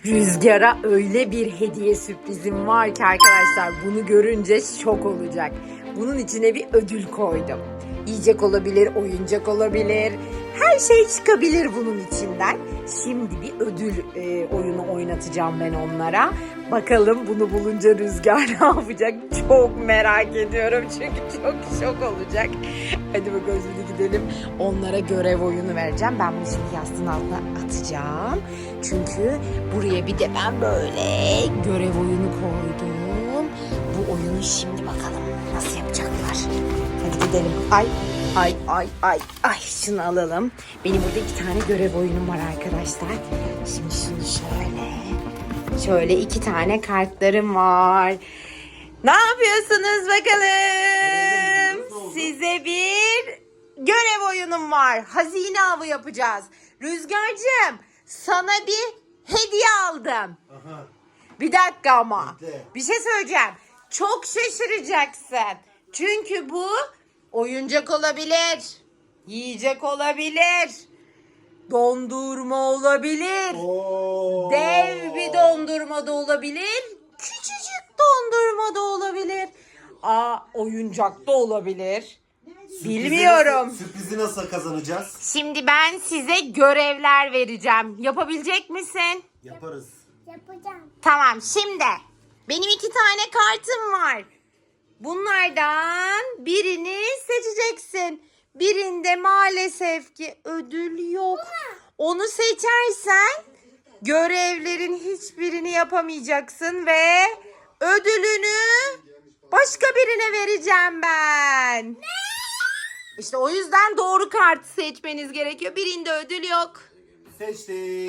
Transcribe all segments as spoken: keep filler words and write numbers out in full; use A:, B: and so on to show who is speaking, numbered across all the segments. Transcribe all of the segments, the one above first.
A: Rüzgar'a öyle bir hediye sürprizim var ki arkadaşlar, bunu görünce şok olacak. Bunun içine bir ödül koydum. Yiyecek olabilir, oyuncak olabilir. Her şey çıkabilir bunun içinden. Şimdi bir ödül e, oyunu oynatacağım ben onlara. Bakalım bunu bulunca Rüzgar ne yapacak? Çok merak ediyorum çünkü çok şok olacak. Hadi bakalım şimdi gidelim. Onlara görev oyunu vereceğim. Ben bunu şimdi yastığın altına atacağım. Çünkü buraya bir de ben böyle görev oyunu koydum. Bu oyunu şimdi bakalım nasıl yapacaklar. Hadi gidelim. Ay ay ay ay ay şunu alalım. Benim burada iki tane görev oyunum var arkadaşlar. Şimdi şunu şöyle. Şöyle iki tane kartlarım var. Ne yapıyorsunuz bakalım? Size bir görev oyunum var. Hazine avı yapacağız. Rüzgar'cığım sana bir hediye aldım.
B: Aha.
A: Bir dakika ama.
B: Bekle.
A: Bir şey söyleyeceğim. Çok şaşıracaksın. Çünkü bu oyuncak olabilir. Yiyecek olabilir. Dondurma olabilir.
B: Oo.
A: Dev bir dondurma da olabilir. Küçücük dondurma da olabilir. Aa, oyuncak da olabilir.
B: Sürprizi
A: Bilmiyorum.
B: Nasıl, sürprizi nasıl kazanacağız?
A: Şimdi ben size görevler vereceğim. Yapabilecek misin?
B: Yaparız.
C: Yapacağım.
A: Tamam, şimdi benim iki tane kartım var. Bunlardan birini seçeceksin. Birinde maalesef ki ödül yok. Onu seçersen görevlerin hiçbirini yapamayacaksın ve ödülünü başka birine vereceğim ben. İşte o yüzden doğru kartı seçmeniz gerekiyor. Birinde ödül yok.
B: Seçtik.
A: Aa,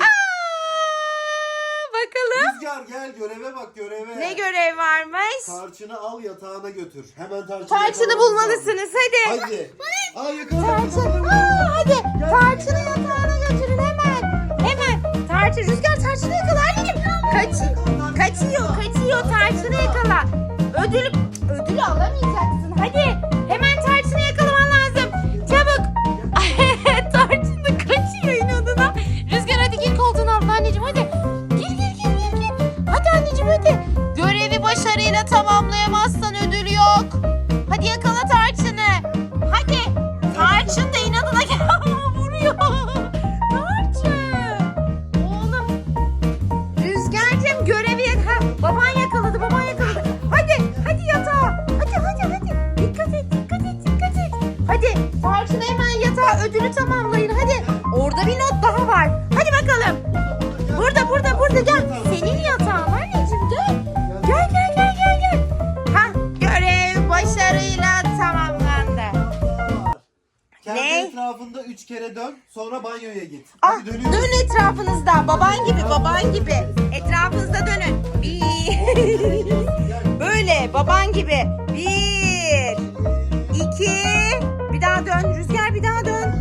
A: bakalım.
B: Rüzgar gel göreve bak göreve.
A: Ne görev varmış?
B: Tarçını al yatağına götür. Hemen tarçını
A: Tarçını
B: yakalamamız
A: bulmalısınız hadi.
B: lazım. Hadi. Aa yakala.
A: Tarçın. Aa, hadi. Tarçını yatağına götürün hemen. Hemen. Tarçın. Rüzgar tarçını yakala anneciğim. Kaçıyor. Kaçıyor. Kaçıyor. Tarçını yakala. Ödülü, ödülü alamayacaksın. Hadi. Hemen tarçını yakalaman lazım. Çabuk. Tarçın da kaçıyor inadına. Rüzgar hadi gir koltuğun altına anneciğim hadi. Gir gir gir gir gir. Hadi anneciğim hadi. Görevi başarıyla tamamlayamazsan ödül yok. Hadi yakala tarçını. Hadi. Tarçın da inadına vuruyor. Tarçın. Oğlum. Rüzgar'cığım görevi ha, baban yakaladı baban yakaladı. Hadi hadi yatağa. Hadi hadi hadi. Dikkat et dikkat et dikkat et. Hadi Tarçın hemen yatağa ödülü tamamlayın hadi. Orada bir not daha var. Hadi bakalım. Burada burada burada gel. Senin yatağın anneciğim gel. Gel gel gel gel gel. Ha, görev başarıyla tamamlandı.
B: Kendi
A: Ne?
B: etrafında üç kere dön. Sonra banyoya git.
A: Ah,
B: Hadi dönüyoruz.
A: dön etrafınızda. Baban gibi, baban gibi. Etrafınızda dönün. Bir. Böyle baban gibi. Bir. İki. Bir daha dön. Rüzgar bir daha dön.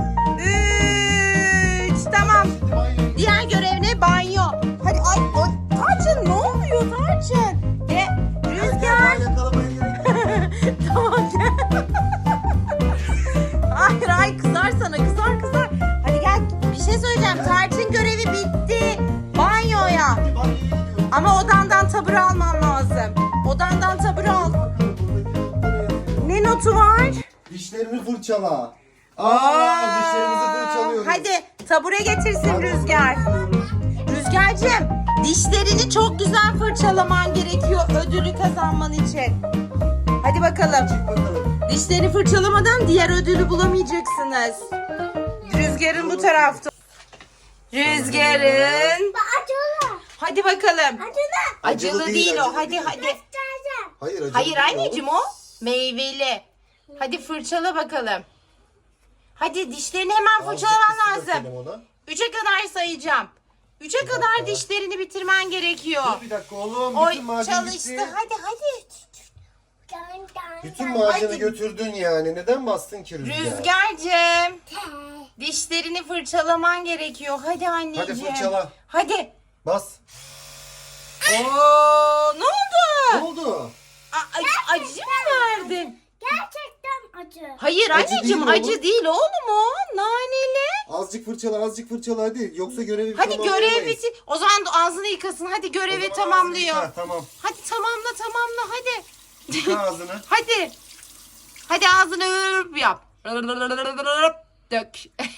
A: Üç. Tamam.
B: Şimdi banyoya git.
A: Diğer görev ne? Banyo. Hadi ay, ay. Tarçın ne oluyor Tarçın? E, Rüzgar.
B: Ben yakalamaya gerek yok.
A: Tamam gel. Hayır hayır kızar sana kızar kızar. Hadi gel bir şey söyleyeceğim. Tarçın görevi bitti. Banyoya.
B: Hadi banyoya gidiyoruz.
A: Ama odandan tabure alman lazım. Odandan tabure al. Ne notu var?
B: Dişlerini fırçala. Aa, dişlerimizi fırçalıyoruz.
A: Hadi tabure getirsin Rüzgar. Rüzgar'cığım dişlerini çok güzel fırçalaman gerekiyor ödülü kazanman için. Hadi bakalım.
B: Çık bakalım.
A: Dişlerini fırçalamadan diğer ödülü bulamayacaksınız. Rüzgar'ın bu tarafta. Rüzgar'ın.
C: Acılı.
A: Hadi bakalım.
C: Acılı.
A: Acılı,
B: Acılı değil,
A: değil o.
B: acılı
A: Hadi
B: değil.
A: hadi.
C: Göstereceğim.
B: Hayır acı
A: Hayır
B: değil
A: anneciğim
B: oğlum.
A: o meyveli. Hadi fırçala bakalım. Hadi dişlerini hemen
B: Azıcık
A: fırçalaman
B: ısı
A: lazım.
B: dökelim ona.
A: Üçe kadar sayacağım. Üçe kadar
B: dakika.
A: dişlerini bitirmen gerekiyor.
B: Dur bir dakika oğlum.
A: Oy
B: Bütün macun
A: çalıştı.
B: bitti.
A: Hadi hadi.
C: Dön dön.
B: Bütün
C: dön.
B: macunu
A: Hadi.
B: götürdün yani. Neden bastın ki Rüzgar?
A: Rüzgar'cığım.
C: Te.
A: Dişlerini fırçalaman gerekiyor. Hadi anneciğim.
B: Hadi fırçala.
A: Hadi.
B: Bas.
A: Oo, ne oldu?
B: Ne oldu?
A: A- acı, acı mı verdin?
C: Gerçekten acı.
A: Hayır
B: Acı
A: anneciğim
B: değil
A: acı
B: oğlum.
A: değil oğlum o. Naneli.
B: Azıcık fırçala, azıcık fırçala hadi. Yoksa görevi
A: Hadi görev
B: tamamlayamayız.
A: bitti. O zaman da ağzını yıkasın. Hadi
B: O
A: görevi
B: zaman
A: tamamlıyor.
B: ağzını yıka, tamam.
A: Hadi tamamla tamamla hadi.
B: Yıka ağzını.
A: Hadi. Hadi ağzını ırp yap. Dök.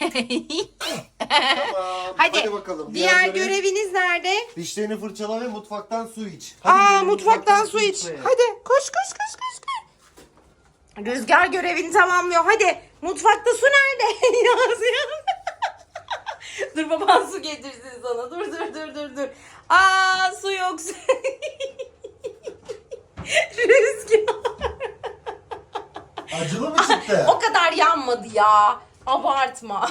B: Tamam.
A: Hadi.
B: Hadi bakalım.
A: Diğer
B: görev-
A: göreviniz nerede?
B: Dişlerini fırçala ve mutfaktan su iç. Hadi
A: Aa
B: gidelim,
A: mutfaktan su iç.
B: içmeye.
A: Hadi koş koş koş koş koş. Rüzgar görevini tamamlıyor. Hadi mutfakta su nerede? Yazıyor. Dur baban su getirsin sana. Dur dur dur dur dur. Aa su yok. Rüzgar.
B: Acılı mı çıktı?
A: O kadar yanmadı ya. Abartma.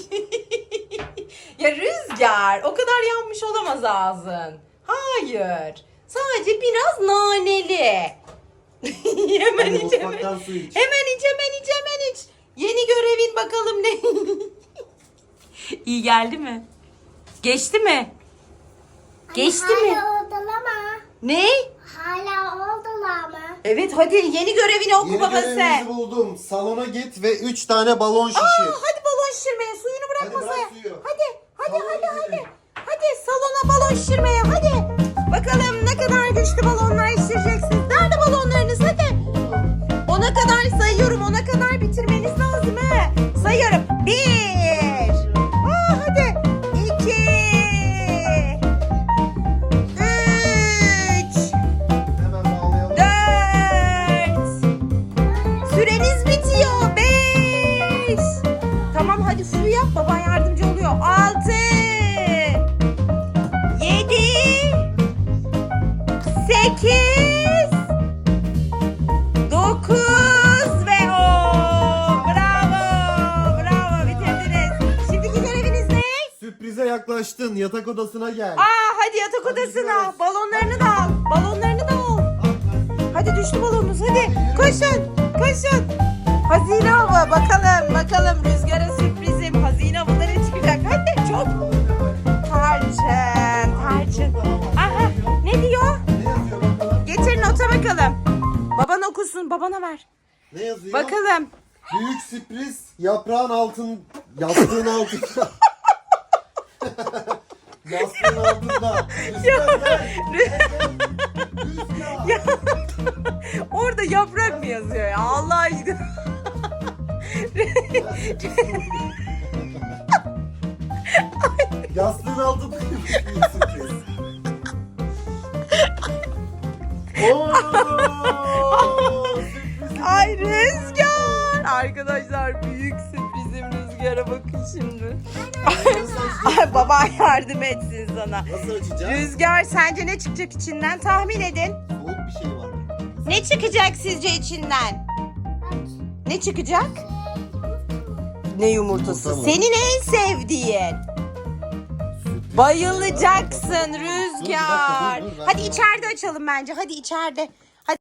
A: Ya Rüzgar, o kadar yanmış olamaz ağzın. Hayır. Sadece biraz naneli. Hemen
B: Hadi
A: iç, hemen.
B: mutfaktan su iç.
A: Hemen iç, hemen iç, hemen iç. Yeni görevin bakalım ne? İyi geldi mi? Geçti mi? Geçti
C: Hala
A: mi?
C: oldular.
A: Ne?
C: Hala oldular mı?
A: Evet hadi yeni görevini oku
B: Yeni
A: babası.
B: görevimizi buldum. Salona git ve üç tane balon şişir.
A: Aa, hadi balon şişirmeye. Suyunu bırak
B: Hadi bırak
A: masaya.
B: suyu.
A: Hadi, hadi,
B: Salona
A: hadi, hadi.
B: gidelim.
A: Hadi salona balon şişirmeye. Hadi. Bakalım ne kadar güçlü balonlar şişireceksiniz. Nerede balonlarınız? Hadi. Ona kadar sayıyorum. Ona kadar bitirmeniz lazım he. Sayıyorum. Bir. Aa, hadi. İki. Üç.
B: Hemen bağlayalım.
A: Dört. Süreniz bitiyor. Beş. Tamam hadi suyu yap. Baban yardımcı oluyor. Altı. Yedi. Sekiz. Dokuz ve on. Bravo. Bravo. Bitirdiniz. Şimdiki göreviniz ne?
B: Sürprize yaklaştın. Yatak odasına gel.
A: Aa hadi yatak
B: Hadi
A: odasına.
B: gidiyoruz.
A: Balonlarını da al. Balonlarını da al. Hadi düştü balonunuz hadi. Koşun koşun. Hazine avı bakalım bakalım Rüzgar'a sürprizim. Hazine avıları çıkacak. Hadi çok. Tarçın tarçın. Aha ne diyor?
B: Ne yazıyor bakalım?
A: Getir nota bakalım. Baban okusun babana ver.
B: Ne yazıyor?
A: Bakalım.
B: Büyük sürpriz yaprağın altın yastığın altında. Yastığın altında. Rüzgar gel. Rüzgar.
A: Ya, orada yaprak mı yazıyor ya Allah aşkına?
B: Yastığın altında büyük sürpriz. Oo, sürpriz.
A: Ay Rüzgar. Arkadaşlar büyük sürprizim Rüzgar'a bakın şimdi. Ay baban yardım etsin sana.
B: Nasıl açacağız?
A: Rüzgar sence ne çıkacak içinden tahmin edin.
B: Soğuk bir şey var.
A: Ne çıkacak sizce içinden? Ne çıkacak? Ne yumurtası?
B: Yumurta mı?
A: Senin en sevdiğin.
B: Sürpriz.
A: Bayılacaksın
B: Dur, bir
A: Rüzgar.
B: dakika, dur, dur, ben
A: Hadi
B: de-
A: içeride açalım bence. Hadi içeride. Hadi.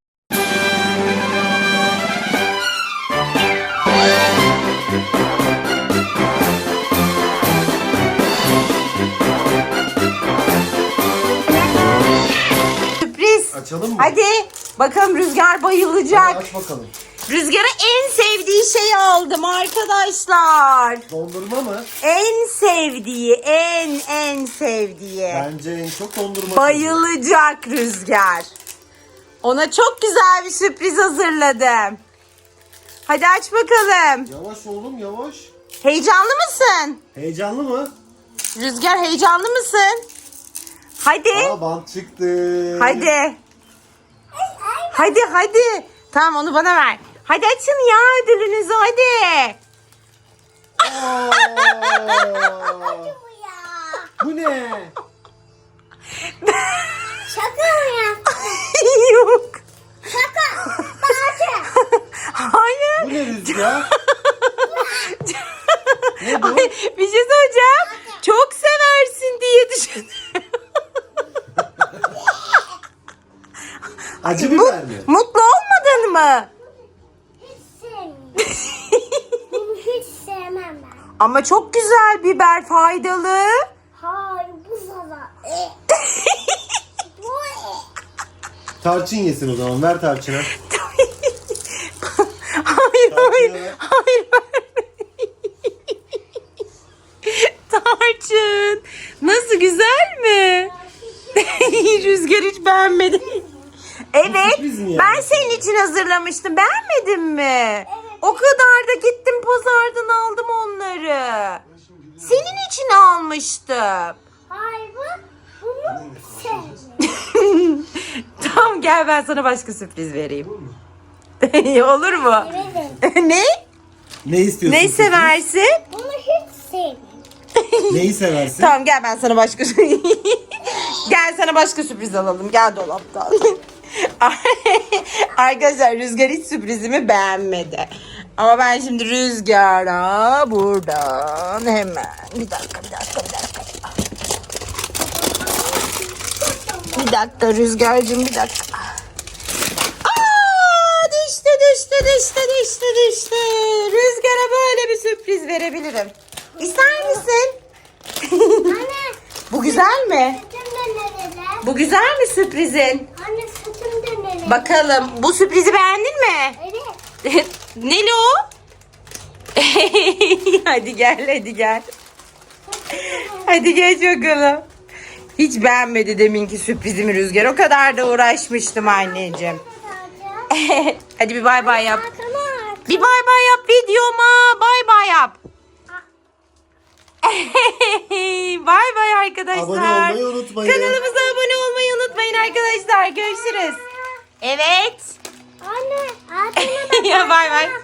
A: Sürpriz.
B: Açalım mı?
A: Hadi. Bakalım Rüzgar bayılacak.
B: Hadi aç bakalım.
A: Rüzgar'a en sevdiği şeyi aldım arkadaşlar.
B: Dondurma mı?
A: En sevdiği, en en sevdiği.
B: Bence en çok dondurma.
A: Bayılacak Rüzgar. Ona çok güzel bir sürpriz hazırladım. Hadi aç bakalım.
B: Yavaş oğlum yavaş.
A: Heyecanlı mısın?
B: Heyecanlı mı?
A: Rüzgar heyecanlı mısın? Hadi.
B: Aa bant çıktı.
A: Hadi. Hadi hadi. Tamam onu bana ver. Hadi açın ya ödülünüzü hadi.
B: Aa,
C: Bu ya.
B: bu ne?
C: Şaka mı yaptın?
A: Yok.
C: Şaka. Bahçe.
A: Hayır.
B: Bu ne Rüzgar? Ne bu?
A: Ay, bir şey söyleyeceğim. Çok seversin diye düşündüm.
B: Acı biber mi?
A: Mutlu olmadın mı?
C: Hiç sevmiyorum. Bunu hiç sevmem ben.
A: Ama çok güzel biber faydalı.
C: Hayır bu sana. Bu
B: Tarçın yesin o zaman. Ver tarçını.
A: Hayır hayır
B: Tarçını ver.
A: hayır. Rüzgar hiç beğenmedi. Evet.
B: sürpriz mi yani?
A: Ben senin için hazırlamıştım. Beğenmedin mi? O kadar da gittim pazardan aldım onları. Senin için almıştım.
C: Hayır bu. Bunu sevmiyorum.
A: Tamam gel ben sana başka sürpriz vereyim. Olur mu?
C: Evet.
A: Ne?
B: Ne istiyorsun?
A: Ne seversin?
C: Bunu hiç sevmiyorum.
B: Neyi seversin?
A: Tamam gel ben sana başka Gel sana başka sürpriz alalım. Gel dolaptan. Arkadaşlar Rüzgar hiç sürprizimi beğenmedi. Ama ben şimdi Rüzgar'a buradan hemen bir dakika bir dakika bir dakika. Bir dakika Rüzgar'cığım bir dakika. Aa, düştü düştü düştü düştü düştü. Rüzgar'a böyle bir sürpriz verebilirim. İster misin?
C: Anne.
A: Bu güzel mi?
C: Sütüm de nerede?
A: Bu güzel mi sürprizin?
C: Anne sütüm de nerede?
A: Bakalım bu sürprizi beğendin mi?
C: Evet.
A: Neli o? Hadi gel hadi gel. Hadi geç bakalım. Hiç beğenmedi deminki sürprizimi Rüzgar. O kadar da uğraşmıştım anneciğim. Hadi bir bay bay yap. Bir bay bay yap videoma. Bay bay yap. Bay bay arkadaşlar.
B: Abone olmayı unutmayın.
A: Kanalımıza abone olmayı unutmayın arkadaşlar. Görüşürüz. Evet.
C: Anne, ağzına
A: Ya bay bay.